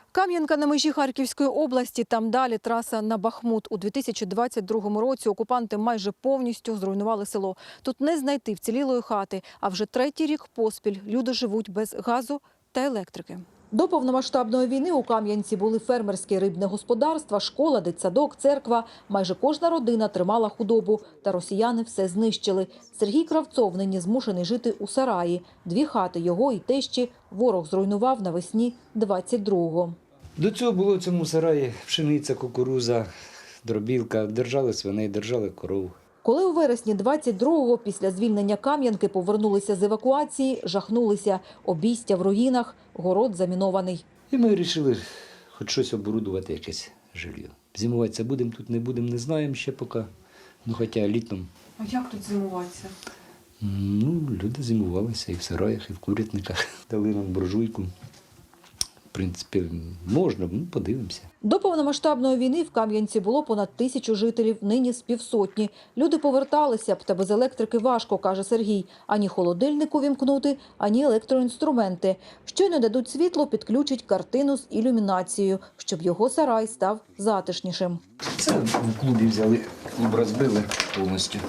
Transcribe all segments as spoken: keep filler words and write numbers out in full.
Кам'янка на межі Харківської області, там далі траса на Бахмут. У дві тисячі двадцять другому році окупанти майже повністю зруйнували село. Тут не знайти вцілілої хати, а вже третій рік поспіль люди живуть без газу та електрики. До повномасштабної війни у Кам'янці були фермерські рибне господарства, школа, дитсадок, церква. Майже кожна родина тримала худобу, та росіяни все знищили. Сергій Кравцов нині змушений жити у сараї. Дві хати його і тещі ворог зруйнував навесні двадцять другого. До цього було в цьому сараї пшениця, кукуруза, дробілка, держали свиней, держали коров. Коли у вересні двадцять другого після звільнення Кам'янки повернулися з евакуації, жахнулися. Обійстя в руїнах, город замінований. І ми вирішили хоч щось оборудувати, якесь жилье. Зимуватися будемо тут, не будемо, не знаємо ще поки. Ну, хоча літом. А як тут зимуватися? Ну, люди зимувалися і в сараях, і в курятниках. Дали нам буржуйку. В принципі, можна, ну, подивимося. До повномасштабної війни в Кам'янці було понад тисячу жителів, нині з півсотні. Люди поверталися б, та без електрики важко, каже Сергій. Ані холодильник увімкнути, ані електроінструменти. Щойно дадуть світло, підключать картину з ілюмінацією, щоб його сарай став затишнішим. Це в клубі взяли, клуб розбили повністю,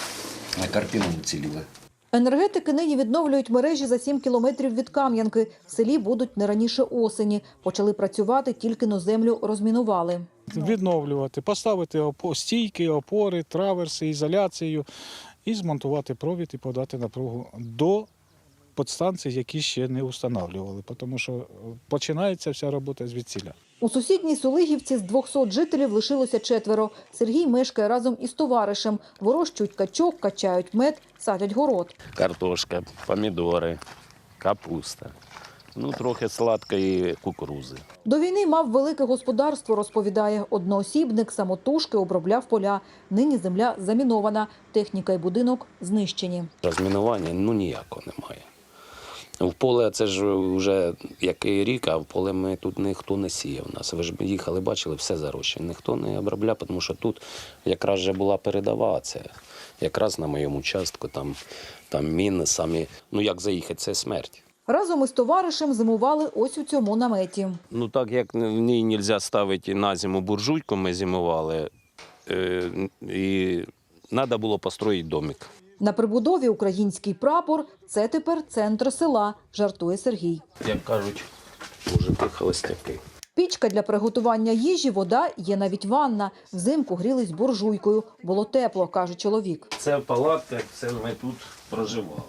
а картину уціліла. Енергетики нині відновлюють мережі за сім кілометрів від Кам'янки. В селі будуть не раніше осені. Почали працювати, тільки но землю розмінували. Відновлювати, поставити стійки, опори, траверси, ізоляцію і змонтувати провід і подати напругу до підстанцій, які ще не встановлювали, тому що починається вся робота звідсіля. У сусідній Сулигівці з двохсот жителів лишилося четверо. Сергій мешкає разом із товаришем. Вирощують качок, качають мед, садять город. Картошка, помідори, капуста, ну трохи сладкої кукурузи. До війни мав велике господарство, розповідає. Одноосібник самотужки обробляв поля. Нині земля замінована, техніка і будинок знищені. Розмінування ну ніякого немає. В поле це ж вже який рік, а в поле ми тут ніхто не сіяв нас. Ви ж їхали, бачили, все зарощено. Ніхто не обробляв, тому що тут якраз вже була передова, це якраз на моєму участку, там, там міни самі, ну як заїхати, це смерть. Разом із товаришем зимували ось у цьому наметі. Ну так як в ній не можна ставити на зиму буржуйку, ми зимували, е, і треба було построїти домик. На прибудові український прапор – це тепер центр села, жартує Сергій. Як кажуть, мужики холостяки. Пічка для приготування їжі, вода, є навіть ванна. Взимку грілись буржуйкою. Було тепло, каже чоловік. Це палатка, це ми тут проживали.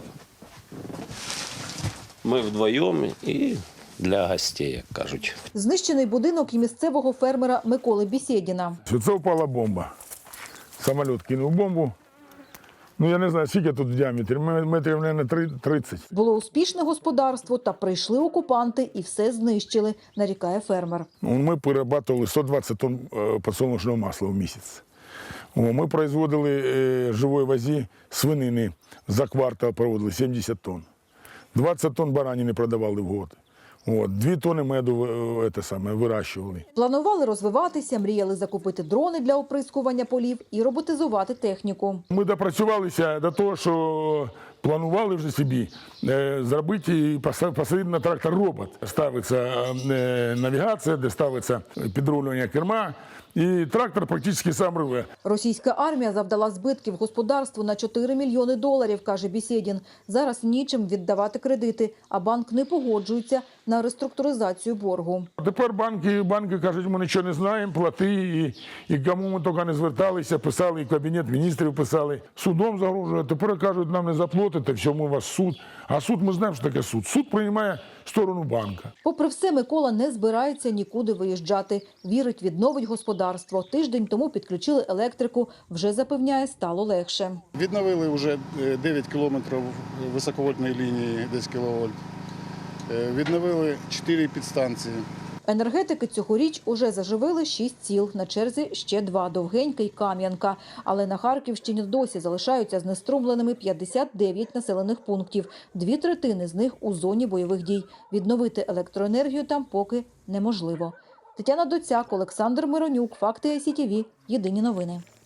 Ми вдвоєм і для гостей, як кажуть. Знищений будинок і місцевого фермера Миколи Бісєдіна. Це впала бомба. Самоліт кинув бомбу. Ну, я не знаю, скільки тут в діаметрі, метрів, мабуть, тридцять. Було успішне господарство, та прийшли окупанти і все знищили, нарікає фермер. Ми перерабатували сто двадцять тонн підсолнечного масла в місяць. Ми производили живої вазі свинини, за квартал проводили сімдесят тонн. двадцять тонн баранини продавали в год. От, дві тонни меду це саме, вирощували. Планували розвиватися, мріяли закупити дрони для оприскування полів і роботизувати техніку. Ми допрацювалися до того, що планували вже собі е, зробити і посадити на трактор робот. Ставиться е, навігація, де ставиться підрулювання керма, і трактор практично сам рве. Російська армія завдала збитків господарству на чотири мільйони доларів, каже Бісєдін. Зараз нічим віддавати кредити, а банк не погоджується на реструктуризацію боргу. Тепер банки, банки кажуть, ми нічого не знаємо, плати, і, і кому ми тільки не зверталися, писали, і Кабінет міністрів писали. Судом загрожує, тепер кажуть, нам не заплатите, все, ми у вас суд. А суд, ми знаємо, що таке суд. Суд приймає сторону банка. Попри все, Микола не збирається нікуди виїжджати. Вірить, відновить господарство. Тиждень тому підключили електрику. Вже запевняє, стало легше. Відновили вже дев'ять кілометрів високовольтної лінії, десять кіловольт. Відновили чотири підстанції. Енергетики цьогоріч уже заживили шість сіл, на черзі ще два – Довгенька і Кам'янка. Але на Харківщині досі залишаються знеструмленими п'ятдесят дев'ять населених пунктів. Дві третини з них у зоні бойових дій. Відновити електроенергію там поки неможливо. Тетяна Доцяк, Олександр Миронюк, Факти ай сі ті ві, Єдині новини.